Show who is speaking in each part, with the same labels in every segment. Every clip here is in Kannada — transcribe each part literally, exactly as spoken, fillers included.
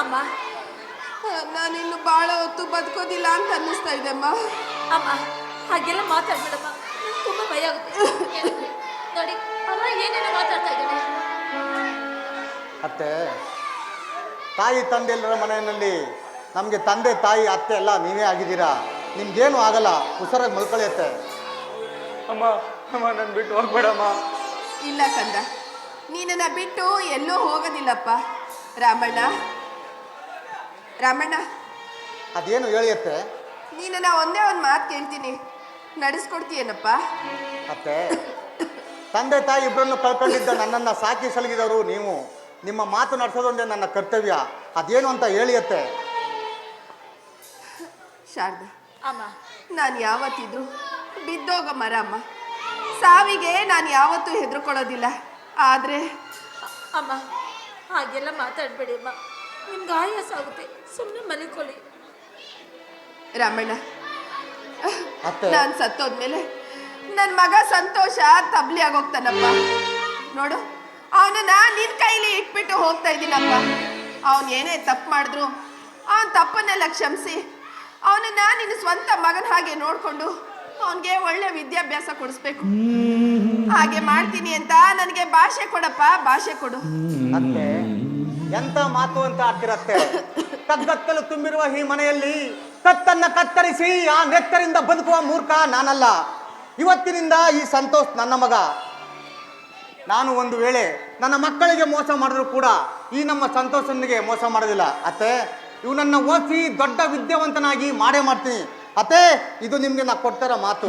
Speaker 1: ಅಮ್ಮ
Speaker 2: ನಾನಿನ್ನು ಬಹಳ ಹೊತ್ತು ಬದುಕೋದಿಲ್ಲ ಅಂತ ಅನ್ನಿಸ್ತಾ ಇದೆ ಅಮ್ಮ.
Speaker 1: ಅಮ್ಮ ಹಾಗೆಲ್ಲ ಮಾತಾಡ್ಬೇಡಮ್ಮ, ತುಂಬಾ ಭಯ ಆಗುತ್ತೆ. ನೋಡಿ ಅಮ್ಮ ಏನೇನೋ ಮಾತಾಡ್ತಾ ಇದ್ದಾನೆ.
Speaker 3: ಅತ್ತೆ, ತಾಯಿ ತಂದೆಲ್ಲರ ಮನೆಯಲ್ಲಿ ನಮಗೆ ತಂದೆ ತಾಯಿ ಅತ್ತೆ ಎಲ್ಲ ನೀವೇ ಆಗಿದ್ದೀರಾ. ನಿಮ್ಗೇನು ಆಗಲ್ಲ, ಹುಷಾರಾಗಿ ಮಲ್ಕೊಳ್ಳುತ್ತೆ.
Speaker 4: ಅಮ್ಮ ಅಮ್ಮ ನನ್ನ ಬಿಟ್ಟು ಹೋಗ್ಬೇಡಮ್ಮ.
Speaker 2: ಇಲ್ಲ ಕಂದ, ನೀನನ್ನ ಬಿಟ್ಟು ಎಲ್ಲೂ ಹೋಗೋದಿಲ್ಲಪ್ಪ. ರಾಮಣ್ಣ ರಾಮಣ್ಣ
Speaker 3: ಅದೇನು ಹೇಳಿಯತ್ತೆ?
Speaker 2: ನೀನನ್ನ ಒಂದೇ ಒಂದು ಮಾತು ಕೇಳ್ತೀನಿ, ನಡೆಸ್ಕೊಡ್ತೀಯೇನಪ್ಪ?
Speaker 3: ಅತ್ತೆ, ತಂದೆ ತಾಯಿ ಇಬ್ಬರನ್ನು ಕಳ್ಕೊಂಡಿದ್ದ ನನ್ನನ್ನು ಸಾಕಿ ಸಲಗಿದವರು ನೀವು. ನಿಮ್ಮ ಮಾತು ನಡೆಸೋದೊಂದೇ ನನ್ನ ಕರ್ತವ್ಯ. ಅದೇನು ಅಂತ ಹೇಳಿಯತ್ತೆ?
Speaker 2: ಶಾರದಾ
Speaker 1: ಅಮ್ಮ,
Speaker 2: ನಾನು ಯಾವತ್ತಿದ್ರು ಬಿದ್ದೋಗ ಮರ ಅಮ್ಮ. ಸಾವಿಗೆ ನಾನು ಯಾವತ್ತೂ ಹೆದರ್ಕೊಳ್ಳೋದಿಲ್ಲ. ಆದರೆ
Speaker 1: ಅಮ್ಮ ಹಾಗೆಲ್ಲ ಮಾತಾಡಬೇಡಿ ಅಮ್ಮ, ನಿಮ್ಗೆ ಆಯಾಸ ಆಗುತ್ತೆ, ಸುಮ್ಮನೆ ಮಲಿಕೊಳ್ಳಿ.
Speaker 2: ರಾಮಣ್ಣ,
Speaker 3: ಅತ್ತೆ,
Speaker 2: ನಾನು ಸತ್ತೋದ್ಮೇಲೆ ನನ್ನ ಮಗ ಸಂತೋಷ ತಬ್ಲಿ ಆಗೋಗ್ತಾನಪ್ಪ. ನೋಡು, ಅವನನ್ನ ನಿನ್ನ ಕೈಲಿ ಇಟ್ಬಿಟ್ಟು ಹೋಗ್ತಾ ಇದ್ದೀನಪ್ಪ. ಅವನು ಏನೇ ತಪ್ಪು ಮಾಡಿದ್ರು ಅವನ ತಪ್ಪನ್ನೆಲ್ಲ ಕ್ಷಮಿಸಿ ಅವನನ್ನ ನಿನ್ನ ಸ್ವಂತ ಮಗನ ಹಾಗೆ ನೋಡಿಕೊಂಡು ಅವನಿಗೆ ಒಳ್ಳೆ ವಿದ್ಯಾಭ್ಯಾಸ ಕೊಡಿಸ್ಬೇಕು. ಹಾಗೆ ಮಾಡ್ತೀನಿ ಅಂತ ನನಗೆ ಭಾಷೆ ಕೊಡಪ್ಪ, ಭಾಷೆ ಕೊಡು.
Speaker 3: ಅತ್ತೆ, ಎಂತ ಮಾತು ಅಂತ ಆಡ್ತಿರತ್ತೆ? ಕಗ್ಗತ್ತಲು ತುಂಬಿರುವ ಈ ಮನೆಯಲ್ಲಿ ಕತ್ತನ್ನ ಕತ್ತರಿಸಿ ಆ ನೆತ್ತರಿಂದ ಬದುಕುವ ಮೂರ್ಖ ನಾನಲ್ಲ. ಇವತ್ತಿನಿಂದ ಈ ಸಂತೋಷ್ ನನ್ನ ಮಗ. ನಾನು ಒಂದು ವೇಳೆ ನನ್ನ ಮಕ್ಕಳಿಗೆ ಮೋಸ ಮಾಡಿದ್ರು ಕೂಡ ಈ ನಮ್ಮ ಸಂತೋಷನಿಗೆ ಮೋಸ ಮಾಡೋದಿಲ್ಲ. ಅತ್ತೆ, ಇವನನ್ನ ಓದಿಸಿ ದೊಡ್ಡ ವಿದ್ಯಾವಂತನಾಗಿ ಮಾಡೇ ಮಾಡ್ತೀನಿ. ಅತ್ತೆ, ಇದು ನಿಮ್ಗೆ ನಾ ಕೊಡ್ತಾರ ಮಾತು.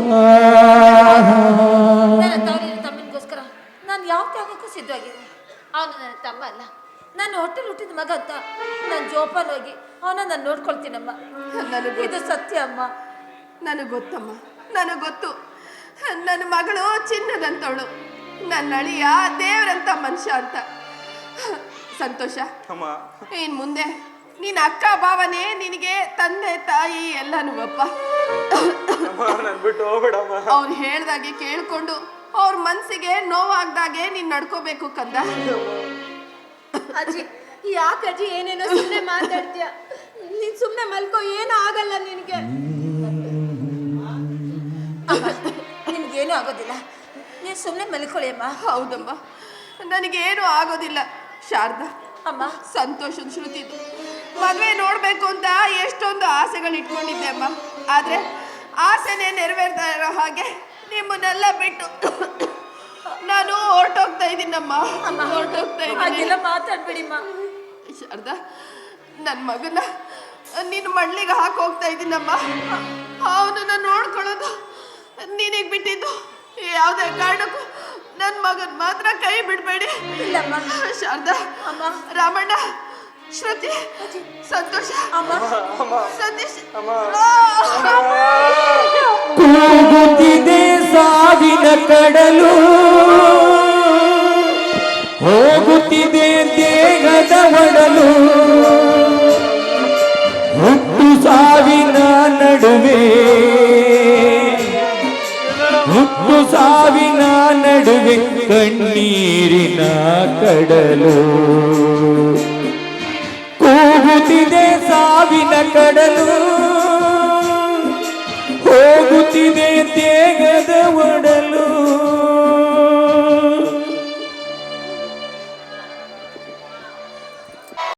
Speaker 1: ನನ್ನ ತವರಿನ ತಮ್ಮನಿಗೋಸ್ಕರ ನಾನು ಯಾವ ತ್ಯಾಗಕ್ಕೂ ಸಿದ್ಧವಾಗಿದ್ದೀನಿ. ಅವನು ನನ್ನ ತಮ್ಮ ಅಲ್ಲ, ನಾನು ಹೊಟ್ಟೆಲಿ ಹುಟ್ಟಿದ ಮಗ ಅಂತ ನಾನು ಜೋಪಾನ ಹೋಗಿ ಅವನ ನಾನು ನೋಡ್ಕೊಳ್ತೀನಮ್ಮ.
Speaker 2: ನನಗೆ
Speaker 1: ಇದು ಸತ್ಯ ಅಮ್ಮ.
Speaker 2: ನನಗೆ ಗೊತ್ತಮ್ಮ, ನನಗೆ ಗೊತ್ತು. ನನ್ನ ಮಗಳು ಚಿನ್ನದಂತವಳು, ನನ್ನ ಅಳಿಯ ದೇವರಂತ ಮನುಷ್ಯ ಅಂತ. ಸಂತೋಷ,
Speaker 4: ಅಮ್ಮ
Speaker 2: ಇನ್ ಮುಂದೆ ನಿನ್ನ ಅಕ್ಕ ಭಾವನೆ ನಿನಗೆ ತಂದೆ ತಾಯಿ ಎಲ್ಲನೂ ಅಪ್ಪ.
Speaker 4: ನನ್ನ ಬಿಟ್ಟು ಹೋಗ್ಬೇಡಮ್ಮ.
Speaker 2: ಅವ್ರು ಹೇಳ್ದಾಗೆ ಕೇಳ್ಕೊಂಡು ಅವ್ರ ಮನ್ಸಿಗೆ ನೋವಾಗ್ದಾಗೆ ನೀನ್ ನಡ್ಕೋಬೇಕು ಕಂದ.
Speaker 5: ಅಜ್ಜಿ, ಯಾಕೆ ಅಜ್ಜಿ ಏನೇನೋ ಸುಮ್ಮನೆ ಮಾತಾಡ್ತೀಯ? ನೀನ್ ಸುಮ್ಮನೆ ಮಲ್ಕೋ, ಏನೂ ಆಗಲ್ಲ ನಿನಗೆ.
Speaker 1: ನಿಮ್ಗೇನೂ ಆಗೋದಿಲ್ಲ, ನೀವು ಸುಮ್ಮನೆ ಮಲ್ಕೊಳ್ಳಿ ಅಮ್ಮ.
Speaker 2: ಹೌದಮ್ಮ, ನನಗೇನು ಆಗೋದಿಲ್ಲ. ಶಾರದಾ
Speaker 1: ಅಮ್ಮ,
Speaker 2: ಸಂತೋಷದ ಶ್ರುತಿದು ಮದುವೆ ನೋಡ್ಬೇಕು ಅಂತ ಎಷ್ಟೊಂದು ಆಸೆಗಳು ಇಟ್ಕೊಂಡಿದ್ದೆ ಅಮ್ಮ. ಆದ್ರೆ ಆಸೆನೇ ನೆರವೇರ್ತಾ ಇರೋ ಹಾಗೆ ನಿಮ್ಮನ್ನೆಲ್ಲ ಬಿಟ್ಟು ನಾನು ಹೊರಟೋಗ್ತಾ ಇದ್ದೀನಮ್ಮ, ಹೊರಟೋಗ್ತಾ
Speaker 1: ಹಾಗೆಲ್ಲ
Speaker 2: ಇದ್ದೀನಿ.
Speaker 1: ಮಾತಾಡ್ಬೇಡಿಮ್ಮ.
Speaker 2: ಶಾರದಾ, ನನ್ನ ಮಗನ ನಿನ್ನ ಮಣ್ಣಿಗೆ ಹಾಕಿ ಹೋಗ್ತಾ ಇದ್ದೀನಮ್ಮ. ಅವನನ್ನ ನೋಡ್ಕೊಳ್ಳೋದು ನಿನಗೆ ಬಿಟ್ಟಿದ್ದು. ಯಾವುದೇ ಕಾರಣಕ್ಕೂ ನನ್ನ ಮಗನ್ ಮಾತ್ರ ಕೈ ಬಿಡಬೇಡಿ.
Speaker 1: ಇಲ್ಲಮ್ಮ.
Speaker 2: ಶಾರದಾ,
Speaker 1: ಅಮ್ಮ,
Speaker 2: ರಾಮಣ್ಣ, ಶ್ರುತಿ, ಸಂತೋಷ,
Speaker 1: ಅಮ್ಮ,
Speaker 2: ಸತೀಶ್,
Speaker 6: ಕೂಗುತ್ತಿದೆ ಸಾವಿನ ಕಡಲು, ಹೋಗುತ್ತಿದೆ ದೇಹದ ಒಡಲು, ಹುಟ್ಟು ಸಾವಿನ ನಡುವೆ, ಹುಟ್ಟು ಸಾವಿನ ನಡುವೆ ಕಣ್ಣೀರಿನ ಕಡಲು. ಕೂಗುತ್ತಿದೆ ಸಾವಿನ ಕಡಲು, ಹೋಗುತ್ತಿದೆ